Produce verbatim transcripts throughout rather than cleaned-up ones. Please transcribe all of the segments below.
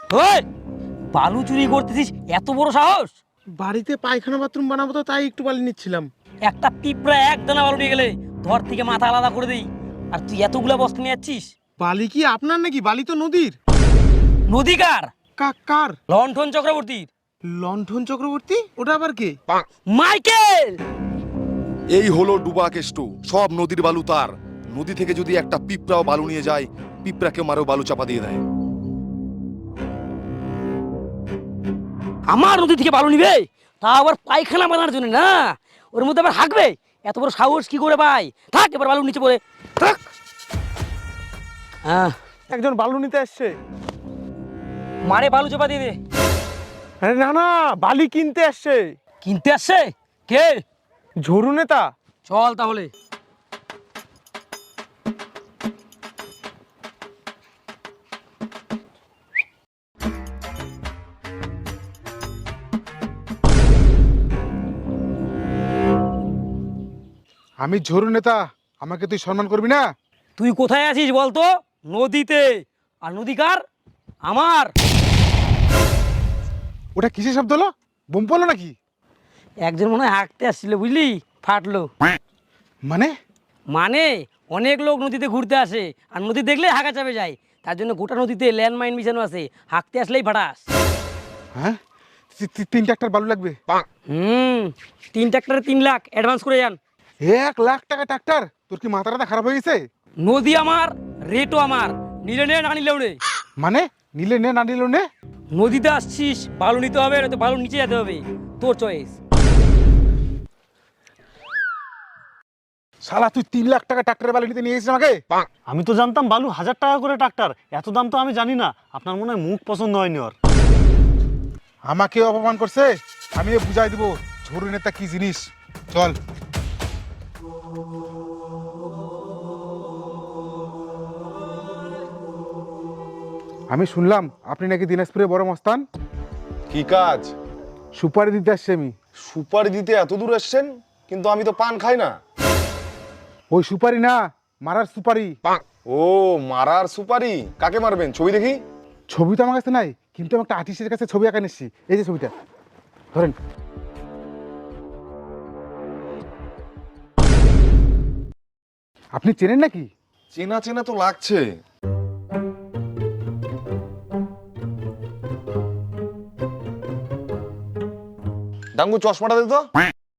ওই বালু চুরি করতেছিস, এত বড় সাহস? বাড়িতে পায়খানা বাথরুম বানাবো তো তাই একটু বালি নিচ্ছিলাম। একটা পিঁপড়া এক দানা বালু নিয়ে গেলে ধর থেকে মাথা আলাদা করে দেই, আর তুই এতগুলা বস্তা নিয়ে যাচ্ছিস? বালি কি আপনার নাকি? বালি তো নদীর। নদী কার? কার? লণ্ঠন চক্রবর্তীর। লণ্ঠন চক্রবর্তী? ওটা আবার কে? মাইকেল। এই হলো ডুবা কেষ্ট, সব নদীর বালু তার। নদী থেকে যদি একটা পিঁপড়াও বালু নিয়ে যায়, পিঁপড়াকে মারেও বালু চাপা দিয়ে দেয়। আমার নদী থেকে বালু নিবে, তা আবার পায়খানা বানানোর জন্য না? ওর মধ্যে আবার হাঁকবে? এত বড় সাহস কি করে ভাই? থাক, এবার বালু নিচে পড়ে থাক। হ্যাঁ, একজন বালু নিতে আসছে। মারে বালু চাপা দিয়ে দে। আরে না না, বালি কিনতে আসছে। কিনতে আসছে? কে? ঝরু নেতা। চল তাহলে। আমি ঝরু নেতা, আমাকে তুই সম্মান করবি না? তুই কোথায় আছিস বলতো? নদীতে। আর নদী কার? আমার। ওটা কিসের শব্দ হলো? বোম পড়লো নাকি? একজন মনে হয় হাঁকতে আসছিল, বুঝলি? ফাটলো। মানে? মানে অনেক লোক নদীতে ঘুরতে আসে, আর নদী দেখলে হাঁকা চাপে যায়। তার জন্য গোটা নদীতে ল্যান্ডমাইন বিছানো আছে, হাঁকতে আসলেই ফাটাস। হ্যাঁ, তি- তি- তিন ট্রাক্টর বালু লাগবে। হুম, তিন ট্রাক্টরে তিন লাখ অ্যাডভান্স করে যান। এক লাখ টাকা ট্রাক্টর? তোর কি মাথাটা খারাপ হয়ে গেছে? নদী আমার, রেটও আমার, নিলে নে না নিলেও নে। মানে নিলে নে, না নিলেও নে? নদীতে আসছিস, বালু নিতে হবে, নয়তো বালুর নিচে যেতে হবে, তোর চয়েস। শালা তুই তিন লাখ টাকা ট্রাক্টরের বালু নিতে নিয়ে এসেছিস আমাকে? আমি তো জানতাম বালু হাজার টাকা করে ট্রাক্টর, এত দাম তো আমি জানি না। আপনার মনে হয় মুখ পছন্দ হয়নি ওর। আমাকে অপমান করছে, আমি বুঝাই দিব ঝরু নেতা কি জিনিস। চল। আমি শুনলাম আপনি নাকি দিনাজপুরে বড় মস্তান। কি কাজ? সুপারি দিতে আসছি আমি। সুপারি দিতে এত দূর এসছেন? কিন্তু আমি তো পান খাই না। ওই সুপারি না, মারার সুপারি। ও, মারার সুপারি? কাকে মারবেন? ছবি দেখি। ছবি তো আমার কাছে নাই, কিন্তু আমি একটা আর্টিস্টের কাছে ছবি আঁকা নিচ্ছি। এই যে ছবিটা ধরেন। আপনি চেনেন নাকি? চেনা চেনা তো লাগছে। ডাঙ্গু, চশমাটা দে তো।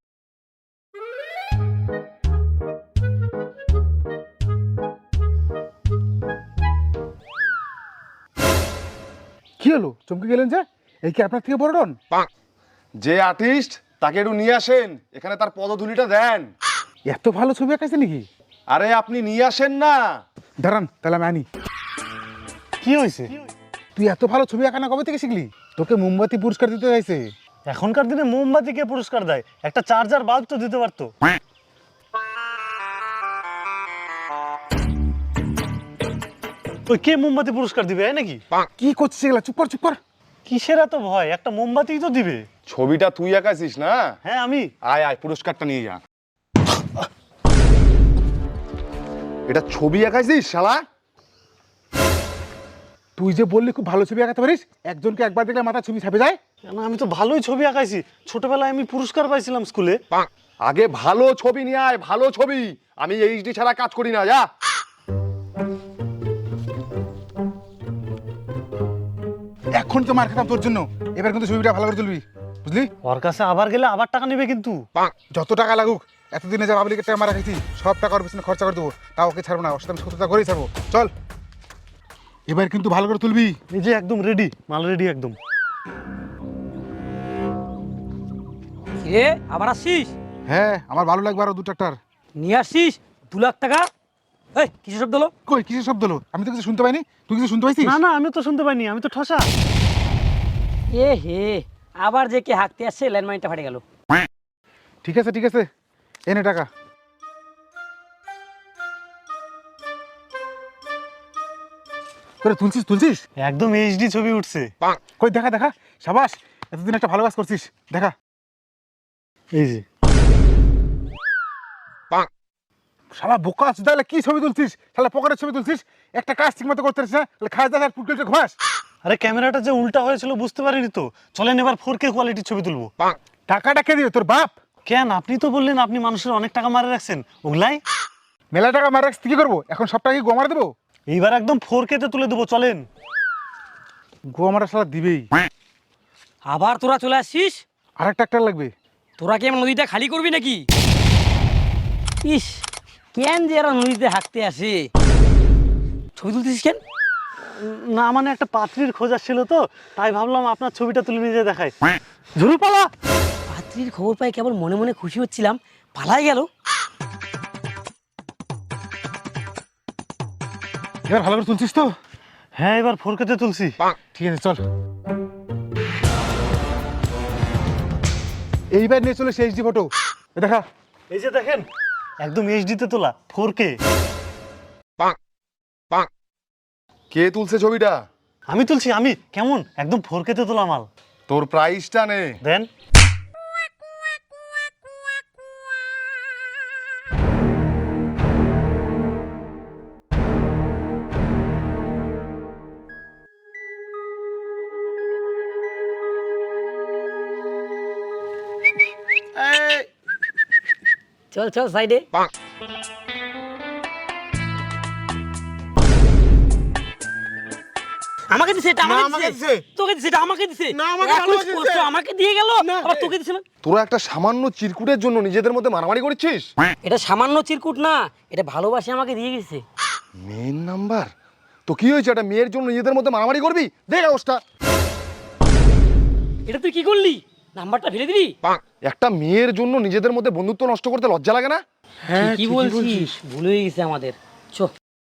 কি হলো, চমকে গেলেন যে? এই কি আপনার থেকে বড় ডন? যে আর্টিস্ট, তাকে একটু নিয়ে আসেন এখানে, তার পদধূলিটা দেন। এত ভালো ছবি আঁকাইছে নাকি? আরে আপনি নিয়ে আসেন না। দাঁড়ান, তাহলে আমি আনি। কি হয়েছে? তুই এত ভালো ছবি আঁকা না কবে থেকে শিখলি? তোকে মোমবাতি পুরস্কার দিতে চাইছে। এখনকার দিনে মোমবাতি কে পুরস্কার দেয়? একটা চার্জার বাল্ব তো দিতে পারতো। ওই কে মোমবাতি পুরস্কার দিবে এই নাকি? কি করছিস এগুলা? চুপ কর, চুপ কর। কিসের এত ভয়? একটা মোমবাতি তো দিবে। ছবিটা তুই আঁকাইছিস না? হ্যাঁ আমি। আয় আয়, পুরস্কারটা নিয়ে যা। এটা ছবি আঁকাইছিস শালা? তুই যে বললি খুব ভালো ছবি আঁকাতে পারিস, একজনকে একবার দেখলে মাথা ছবি ছাপে যায়। কেন, আমি তো ভালোই ছবি আঁকাইছি। ছোটবেলায় আমি পুরস্কার পাইছিলাম স্কুলে। আগে ভালো ছবি নিয়ে আয়, ভালো ছবি। আমি এইচডি ছাড়া কাজ করি না, যা। এখন তো মার খেতাম তোর জন্য, এবার কিন্তু ছবিটা ভালো করে তুলবি, বুঝলি? ওর কাছে আবার গেলে আবার টাকা নেবে কিন্তু। যত টাকা লাগুক, এতদিনে যা পাবলিকের টাকা মারা খাইছি, সব টাকা ওর পিছনে খরচা করে দেবো। তাও ওকে ছাড়বো না, ওর সাথে আমি সততা করেই ছাড়বো। চল, এবার কিন্তু ভালো করে তুলবি। এই যে একদম রেডি, মাল রেডি একদম। রে আবার আসছিস? হ্যাঁ, আমার ভালো লাগবে আরো দু ট্রাক্টর নিয়ে আসছিস দু লাখ টাকা। এই কিসের শব্দ হলো? কই কিসের শব্দ হলো? আমি তো কিছু শুনতে পাইনি। তুই কিছু শুনতে পাইছিস? না না, আমি তো শুনতে পাইনি, আমি তো ঠসা। এ হে, আবার যে কে হাঁকতে আসছে, ল্যান্ডমাইনটা ফাটে গেল। ঠিক আছে, ঠিক আছে, এনে টাকা। করে তুলছিস তুলছিস একদম এইচডি ছবি উঠছে। কই দেখা দেখা। সাবাস, এতদিন একটা ভালো কাজ করছিস, দেখা। এই যে শালা বোকা আছে, তাহলে কি ছবি তুলছিস? শালা পকেটের ছবি তুলছিস। একটা কাজ ঠিক মতো করতে পারছিস না, খাস দাস আর পুটকেলটা ঘুমাস। আরে ক্যামেরাটা যে উল্টা হয়েছিল বুঝতে পারিনি তো। চলেন এবার ফোর কে কোয়ালিটির ছবি তুলবো। টাকাটা কে দিবে তোর বাপ? কেন, আপনি তো বললেন আপনি মানুষের অনেক টাকা মারে রাখছেন, ওগুলাই মেলা টাকা মারা রাখছি, কি করবো এখন? সব টাকা কি গোয়া মারা দেবো? এইবার একদম ফোর কে তে তুলে দেবো, চলেন। গোয়া মারা সালা দিবেই। আবার তোরা চলে আসছিস? আর একটা ট্রাক্টর লাগবে। তোরা কি আমার নদীটা খালি করবি নাকি? ইস, কেন যে এরা নদীতে হাঁকতে আসে? ছবি তুলতেছিস কেন? না মানে একটা পাত্রীর খোঁজ আসছিল তো, তাই ভাবলাম আপনার ছবিটা তুলে নিয়ে যেয়ে দেখাই। ঝুরু পালা। পাত্রীর খবর পাই কেবল মনে মনে খুশি হচ্ছিলাম, পালাই গেল। এবার ভালো করে তুলছিস তো? হ্যাঁ এবার ফোর কে তে তুলছি। ঠিক আছে চল। এইবার নিয়ে চলে সেই এইচডি ফটো দেখা। এই যে দেখেন, একদম এইচডি তে তোলা, ফোর কে। কে তুলছে ছবিটা? আমি তুলছি আমি। কেমন, একদম ফোর কে তে তোলা মাল। তোর প্রাইসটা নে। দেন। চল চল সাইডে। আমাকে দিছে, এটা আমাকে দিছে, তোকে দিছে, এটা আমাকে দিছে, না আমাকে ভালোবাসে, আমাকে দিয়ে গেল, আবার তোকে দিছে না। তোরা একটা সামান্য চিরকুটের জন্য নিজেদের মধ্যে মারামারি করছিস? এটা সামান্য চিরকুট না, এটা ভালোবাসে আমাকে দিয়ে গেছে। মেন নাম্বার তো কি হয়েছে? একটা মেয়ের জন্য নিজেদের মধ্যে মারামারি করবি? দেখ অবস্থা। এটা তুই কি করলি? নাম্বারটা ফেলে দিবি? একটা মেয়ের জন্য নিজেদের মধ্যে বন্ধুত্ব নষ্ট করতে লজ্জা লাগে না? হ্যাঁ কি বলছিস? ভুল হয়ে গেছে আমাদের। চো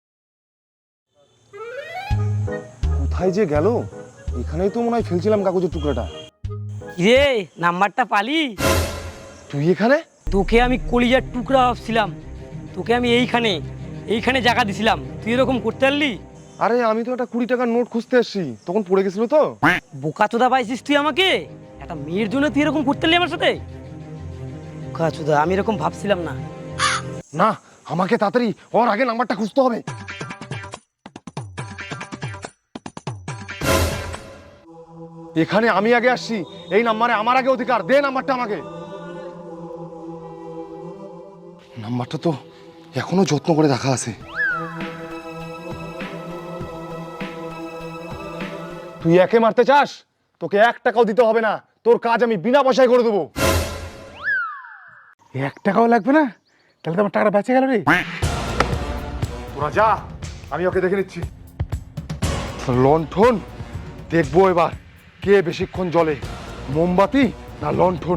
কোথায় যে গেল? এখানেই তো মনে হয় ফেলছিলাম কাগজের টুকরাটা। রে, নাম্বারটা পালি? তুই এখানে? তোকে আমি কলিজার টুকরা ভাবছিলাম, তোকে আমি এইখানে এইখানে জায়গা দিছিলাম, তুই এরকম করতে পারলি? আরে আমি তো একটা কুড়ি টাকার নোট খুঁজতে এসেছি, তখন পড়ে গেছিল তো। বোকা চোদা পাইছিস তুই আমাকে? একটা মেয়ের জন্য তুই এরকম করতে পারলি আমার সাথে? বোকা চোদা, আমি এরকম ভাবছিলাম না। না, আমাকে তাড়াতাড়ি ওর আগে নাম্বারটা খুঁজতে হবে। এখানে আমি আগে আসছি, এই নাম্বারে আমার আগে অধিকার। দে নাম্বারটা আমাকে। নাম্বারটা তো এখনো যত্ন করে রাখা আছে। তুই একে মারতে চাস? তোকে এক টাকাও দিতে হবে না, তোর কাজ আমি বিনা পয়সায় করে দেবো। এক টাকাও লাগবে না? তাহলে তো আমার টাকাটা বেঁচে গেল রে। তোরা যা, আমি ওকে দেখে নিচ্ছি। লণ্ঠন দেখবো এবার কে বেশিক্ষণ জ্বলে, মোমবাতি না লণ্ঠন।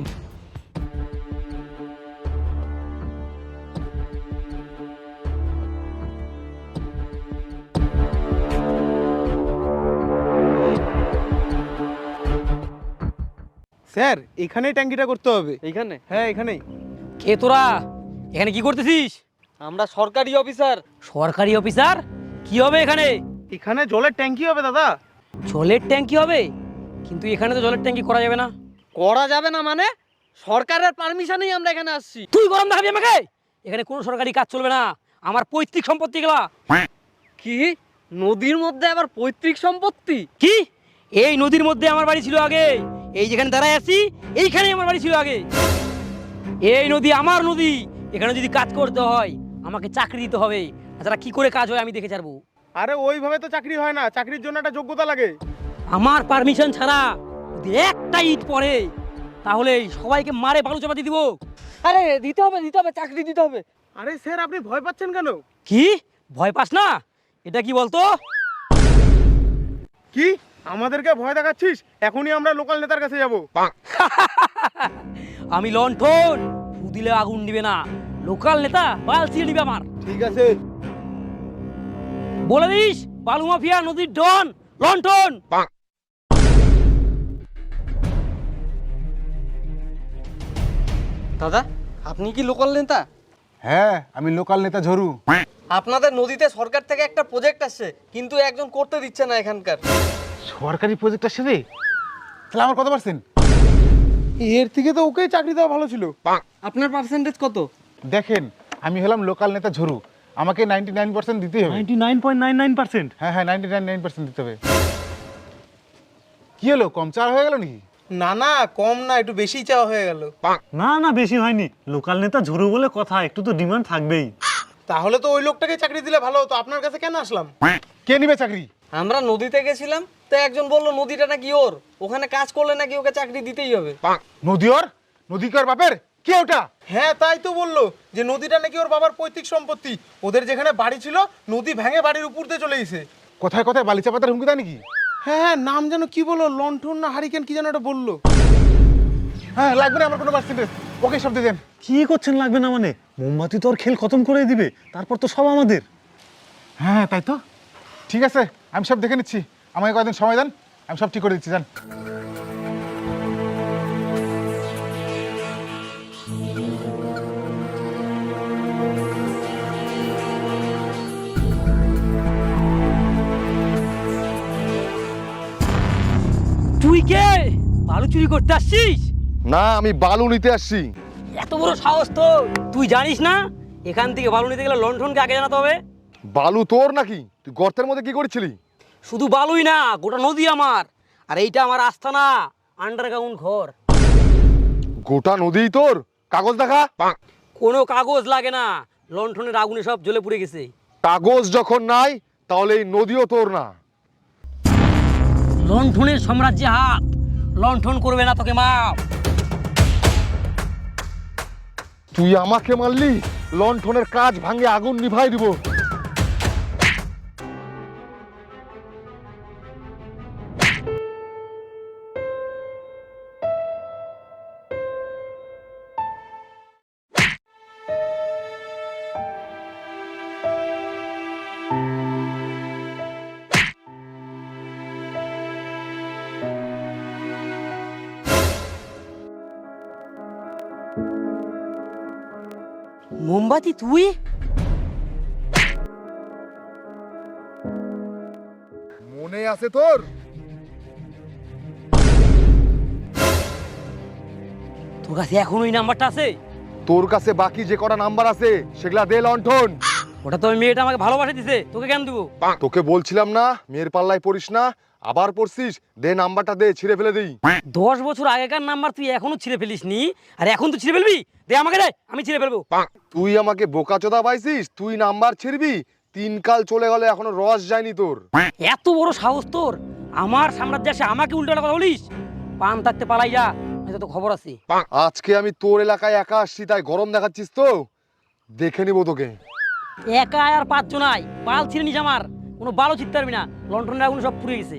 স্যার এখানেই ট্যাঙ্কিটা করতে হবে। এইখানে? হ্যাঁ এখানেই। কে তোরা? এখানে কি করতেছিস? আমরা সরকারি অফিসার। সরকারি অফিসার? কি হবে এখানে? এখানে জলের ট্যাঙ্কি হবে দাদা। জলের ট্যাঙ্কি হবে? কিন্তু এখানে তো জলের ট্যাঙ্কি করা যাবে না। করা যাবে না মানে? সরকারের পারমিশনেই আমরা এখানে আসছি। তুই গরম দেখাবি আমাকে? এখানে কোনো সরকারি কাজ চলবে না, আমার পৈতৃক সম্পত্তি গেলা। কি? নদীর মধ্যে আবার পৈতৃক সম্পত্তি? কি? এই নদীর মধ্যে আমার বাড়ি ছিল আগে, এই যেখানে দাঁড়ায় আছি এইখানেই আমার বাড়ি ছিল আগে। এই নদী আমার নদী, এখানে যদি কাজ করতে হয় আমাকে চাকরি দিতে হবে, তাছাড়া কি করে কাজ হয় আমি দেখে ছাড়বো। আরে ওইভাবে তো চাকরি হয় না, চাকরির জন্য একটা যোগ্যতা লাগে। আমার পারমিশন ছাড়া যদি একটা ইট পড়ে তাহলে সবাইকে মারে বালু চাপা দিয়ে দিব। আরে দিতে হবে দিতে হবে, চাকরি দিতে হবে। আরে স্যার আপনি ভয় পাচ্ছেন কেন? কি ভয় পাস না? এটা কি বলতো? কি আমাদেরকে ভয় দেখাচ্ছিস? এখনই আমরা লোকাল নেতার কাছে যাব। আমি লণ্ঠন, ফু দিলে আগুন নিবে না, লোকাল নেতা বাল ছিঁড়ে নিবে আমার। ঠিক আছে। বলে দিস বালু মাফিয়া নদীর ডন লণ্ঠন। দাদা আপনি কি লোকাল নেতা? হ্যাঁ আমি লোকাল নেতা ঝরু। আপনাদের নদীতে সরকার থেকে একটা প্রজেক্ট আসছে, কিন্তু একজন করতে দিচ্ছে না এখানকার। সরকারি প্রজেক্ট আসছে রে? তাহলে আমার কত পার্সেন্ট? এর থেকে তো ওকেই চাকরি দেওয়া ভালো ছিল। আপনার পার্সেন্টেজ কত? দেখেন আমি হলাম লোকাল নেতা ঝরু, আমাকে নাইনটি নাইন পার্সেন্ট দিতেই হবে। Ninety nine point nine nine percent. হ্যাঁ হ্যাঁ নাইনটি নাইন নাইন পার্সেন্ট দিতে হবে। কি হলো, কম চার হয়ে গেল নাকি? না না, কম না, একটু বেশি চাওয়া হয়ে গেল। না না, বেশি হয়নি। লোকাল নেতা ঝুরু বলে কথা, একটু তো ডিমান্ড থাকবেই। তাহলে তো ওই লোকটাকে চাকরি দিলে ভালো হতো, আপনার কাছে কেন আসলাম? কে নিবে চাকরি? আমরা নদীতে গেছিলাম, তো একজন বললো নদীটা নাকি ওর, ওখানে কাজ করলে নাকি ওকে চাকরি দিতেই হবে। নদী ওর? নদী কি ওর বাপের? কে ওটা? হ্যাঁ তাই তো বললো, যে নদীটা নাকি ওর বাবার পৈতৃক সম্পত্তি। ওদের যেখানে বাড়ি ছিল, নদী ভেঙে বাড়ির উপর দিয়ে চলে গেছে। কোথায় কোথায় বালিচা পাতার হুমকি দেয় নাকি? হ্যাঁ হ্যাঁ, নাম যেন কি বললো, লন্ঠন না হারিকেন কি যেন এটা বললো। হ্যাঁ, লাগবে না আমার কোনো পার্সেন্টেজ, ওকে সব দিয়ে দেন। কি করছেন লাগবে না মানে? মোমবাতি তো আর খেল খতম করে দিবে, তারপর তো সব আমাদের। হ্যাঁ তাই তো, ঠিক আছে, আমি সব দেখে নিচ্ছি, আমাকে কয়েকদিন সময় দেন, আমি সব ঠিক করে দিচ্ছি। যান। তুই কে? বালু চুরি করতে আসছিস? না, আমি বালু নিতে আসছি। এত বড় সাহস তো! তুই জানিস না এখান থেকে বালু নিতে গেলে লণ্ঠনকে আগে জানাতে হবে? বালু তোর নাকি? তুই গর্তের মধ্যে কি করছিলি? শুধু বালুই না, গোটা নদী আমার। আর এইটা আমার আস্তানা, আন্ডারগ্রাউন্ড ঘর। গোটা নদীই তোর? কাগজ দেখা। কোনো কাগজ লাগে না, লণ্ঠনের আগুনে সব জ্বলে পুড়ে গেছে। কাগজ যখন নাই, তাহলে এই নদীও তোর না। লণ্ঠনের সাম্রাজ্যে হাত, লণ্ঠন করবে না তোকে মাপ। তুই আমাকে মারলি? লণ্ঠনের কাজ ভাঙে আগুন নিভাই দিব। মোমবাতি তুই? মনে আছে তোর? তোর কাছে এখন ওই নাম্বারটা আছে? তোর কাছে বাকি যে কটা নাম্বার আছে সেগুলা দে লণ্ঠন। ওটা তো ওই মেয়েটা আমাকে ভালোবাসা দিছে, তোকে কেন দেবো? তোকে বলছিলাম না মেয়ের পাল্লায় পড়িস না, আবার পড়ছিস। দে নাম্বারটা দে, ছিঁড়ে ফেলে দিই। দশ বছর আগেকার নাম্বার তুই এখনো ছিঁড়ে ফেলিস নি, আর এখন তুই ছিঁড়ে ফেলবি? দে আমাকে, দে, আমি ছিঁড়ে ফেলবো। তুই আমাকে বোকাচোদা পাইছিস? তুই নাম্বার ছিড়বি? তিন কাল চলে গেল, এখনো রস যায়নি তোর। এত বড় সাহস তোর, আমার সাম্রাজ্যে এসে আমাকে উল্টো কথা বলিস? পান থাকতে পালাই যা, এটা তো খবর আছে। আজকে আমি তোর এলাকায় একা আসছি, তাই গরম দেখাচ্ছিস তো? দেখে নিব তোকে। একা আর পাঁচজন নাই, বাল ছিঁড়ে নিস আমার, কোনো বালও ছিঁড়তে পারবি না। লন্ডনের আগুন সব পুড়ে গেছে।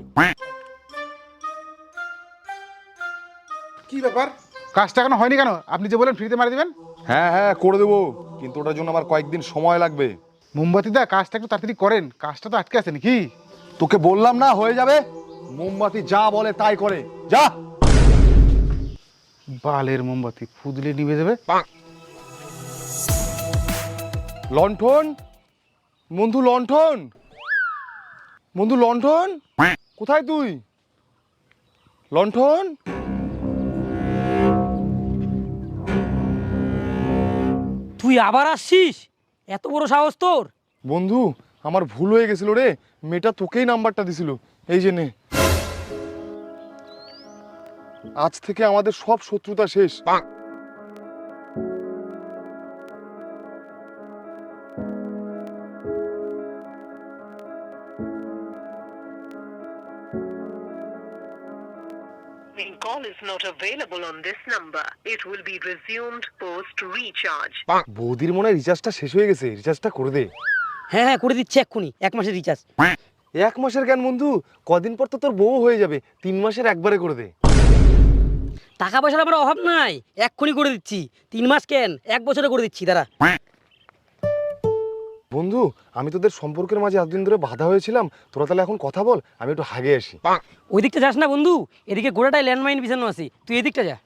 কি ব্যাপার, কাজটা এখনো হয়নি কেন? আপনি যে বলেন ফ্রিতে মারি দিবেন। হ্যাঁ হ্যাঁ করে দেবো, কিন্তু ওটার জন্য আমার কয়েকদিন সময় লাগবে। মোমবাতি দা, কাজটা একটু তাড়াতাড়ি করেন, কাজটা তো আটকে আছে নাকি? তোকে বললাম না হয়ে যাবে। মোমবাতি যা বলে তাই করে, যা। বালের মোমবাতি, ফুদলে নিভে যাবে। লণ্ঠন বন্ধু, লণ্ঠন বন্ধু, লণ্ঠন কোথায় তুই? লণ্ঠন, তুই আবার আসছিস? এত বড় সাহস তোর! বন্ধু আমার ভুল হয়ে গেছিল রে, মেয়েটা তোকেই নাম্বারটা দিছিল, এই যে নে। আজ থেকে আমাদের সব শত্রুতা শেষ। The call is not available on this number. It will be resumed post recharge. বৌদির মনে হয় রিচার্জটা শেষ হয়ে গেছে, রিচার্জটা করে দে। হ্যাঁ হ্যাঁ করে দিচ্ছি এক্ষুনি, এক মাসের রিচার্জ। এক মাসের কেন বন্ধু, কদিন পর তো তোর বউ হয়ে যাবে, তিন মাসের একবারে করে দে। টাকা পয়সার আমার অভাব নাই, এক্ষুনি করে দিচ্ছি। তিন মাস কেন, এক বছরে করে দিচ্ছি, দাঁড়া। বন্ধু আমি তোদের সম্পর্কের মাঝে এতদিন ধরে বাধা হয়েছিলাম, তোরা তাহলে এখন কথা বল, আমি একটু হাগে আসি। ওই দিকটা যাস না বন্ধু, এদিকে গোড়াটাই ল্যান্ডমাইন বিছানো আছে, তুই এদিকটা যা।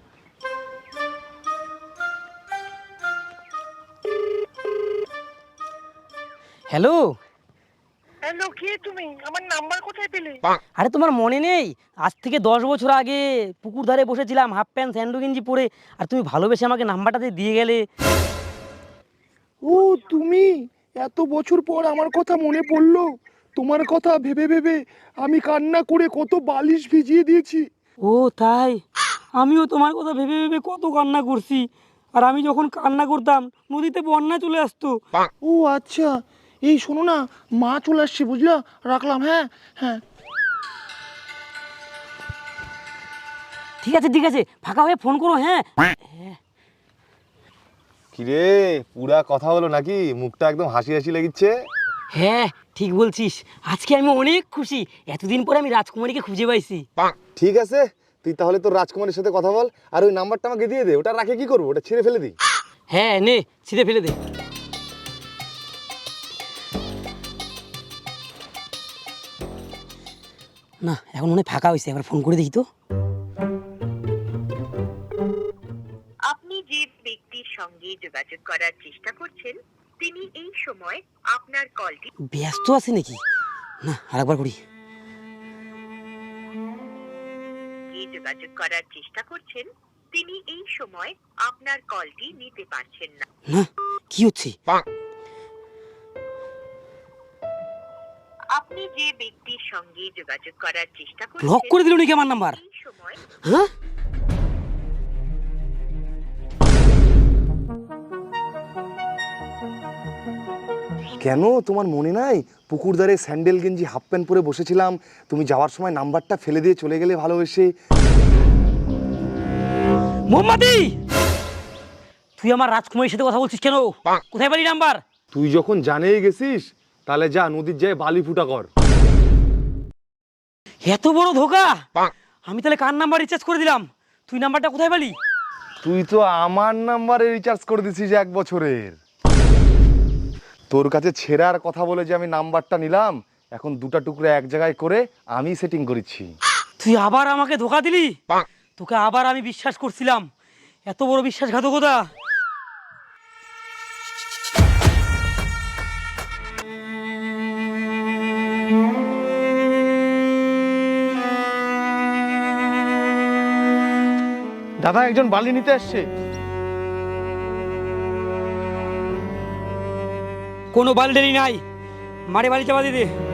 হ্যালো। হ্যালো, কে তুমি? আমার নাম্বার কোথায় পেলে? আরে তোমার মনে নেই, আজ থেকে দশ বছর আগে পুকুর ধারে বসেছিলাম হাফ প্যান্ট স্যান্ডো গেঞ্জি পরে, আর তুমি ভালোবেসে আমাকে নাম্বারটা দিয়ে গেলে। ও তুমি, এত বছর পর আমার কথা মনে পড়লো। তোমার কথা ভেবে ভেবে আমি কান্না করে কত বালিশ ভিজিয়ে দিয়েছি। ও তাই, আমিও তোমার কথা ভেবে ভেবে কত কান্না করছি। আর আমি যখন কান্না করতাম নদীতে বন্যা চলে আসতো। ও আচ্ছা, এই শোনো না, মা চলে আসছে বুঝলা, রাখলাম। হ্যাঁ হ্যাঁ। ঠিক আছে ঠিক আছে, ফাঁকা হয়ে ফোন করো। হ্যাঁ কিরে, পুরা কথা হলো নাকি? মুখটা একদম হাসি হাসি লাগিচ্ছে। হ্যাঁ ঠিক বলছিস, আজকে আমি অনেক খুশি। এতদিন পরে আমি রাজকুমারীকে খুঁজে পাইছি। ঠিক আছে, তুই তাহলে তোর রাজকুমারীর সাথে কথা বল, আর ওই নাম্বারটা আমাকে দিয়ে দে। ওটা রাখে কি করবো? ওটা ছিঁড়ে ফেলে দিই। হ্যাঁ নে, ছিঁড়ে ফেলে দে। না এখন মনে হয় ফাঁকা হয়েছে, একবার ফোন করে দেখি তো। আপনি যে ব্যক্তির সঙ্গে যোগাযোগ করার চেষ্টা করছেন তিনি এই সময় আপনার কলটি ব্যস্ত আছে নাকি? না আরেকবার করি। যে যোগাযোগ করার চেষ্টা করছেন তিনি এই সময় আপনার কলটি নিতে পারছেন না। না কি হচ্ছে? আপনি যে ব্যক্তির সঙ্গে যোগাযোগ করার চেষ্টা করছেন ব্লক করে দিল নাকি আমার নাম্বার? এই সময় হ্যাঁ কেন তোমার মনে নাই পুকুর ধারে স্যান্ডেল গেঞ্জি হাফ প্যান্ট পরে বসেছিলাম, তুমি যাওয়ার সময় নাম্বারটা ফেলে দিয়ে চলে গেলে ভালোবেসে? মোহাম্মদি, তুই আমার রাজকুমারীর সাথে কথা বলছিস কেন? কোথায় পারি নাম্বার? তুই যখন জানেই গেছিস তাহলে যা নদীর যায় বালি ফুটা কর। এত বড় ধোকা! আমি তাহলে কার নাম্বার রিচার্জ করে দিলাম? তুই নাম্বারটা কোথায় পালি? তুই তো আমার নাম্বারে রিচার্জ করে দিছিস এক বছরের। তোর কাছে ছেঁড়ার কথা বলে যে আমি নাম্বারটা নিলাম, এখন দুটা টুকরো এক জায়গায় করে আমি সেটিং করেছি। তুই আবার আমাকে ধোকা দিলি। তোকে আবার আমি বিশ্বাস করছিলাম, এত বড় বিশ্বাসঘাতকতা! দাদা, একজন বালি নিতে আসছে। কোনো বালডেলি নাই, মারে বালি চাপা দিয়ে দে।